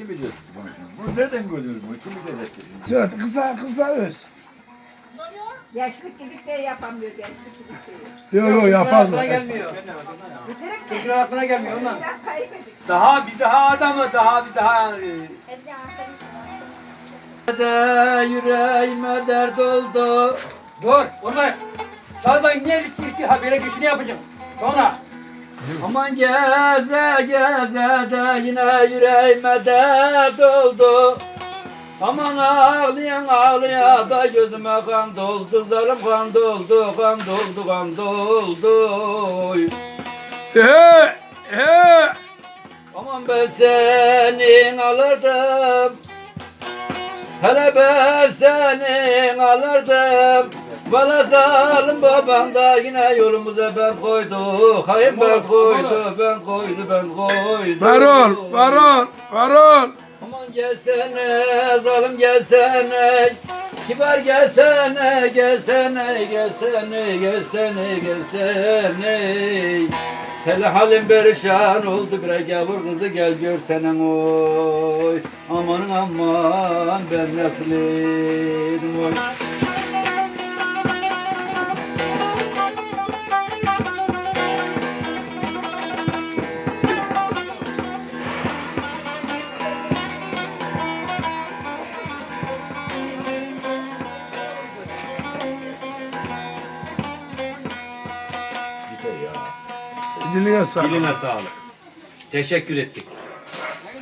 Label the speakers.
Speaker 1: kim bilir bunu? Bunu nereden gördünüz bunu? Kim bilir?
Speaker 2: Şöyle kısa öz.
Speaker 3: Yaşlık gidip de yapamıyor, gençlik gidip de.
Speaker 2: Yok yapar mı?
Speaker 4: Aklına gelmiyor.
Speaker 3: Bitirik
Speaker 4: Tekrar aklına gelmiyor ondan.
Speaker 3: Ben kaybedik.
Speaker 5: Daha bir daha adamı daha bir daha
Speaker 4: Yüreğime dert oldu. Dur, vurma. Sağdan niye iki habire geçini yapacağım. Sonra. Aman geze geze de yine yüreğime dert oldu. Aman ağlayan ağlaya da gözüme kan doldu. Zarım kan doldu, kan doldu, kan doldu. Aman ben senin alırdım. Hele ben senin alırdım. Bana zalim babam da yine yolumuza ben koydu. Hayır ben koydu, ben koydu, ben koydu.
Speaker 2: Varol.
Speaker 4: Aman gelsene, zalim gelsene. Kibar gelsene, gelsene, gelsene, gelsene, gelsene. Hele halim perişan oldu bre gavur kızı gel görsenem oy. Aman aman ben nasıl edim oy.
Speaker 2: Diline sağlık.
Speaker 5: Diline sağlık. Teşekkür ettik.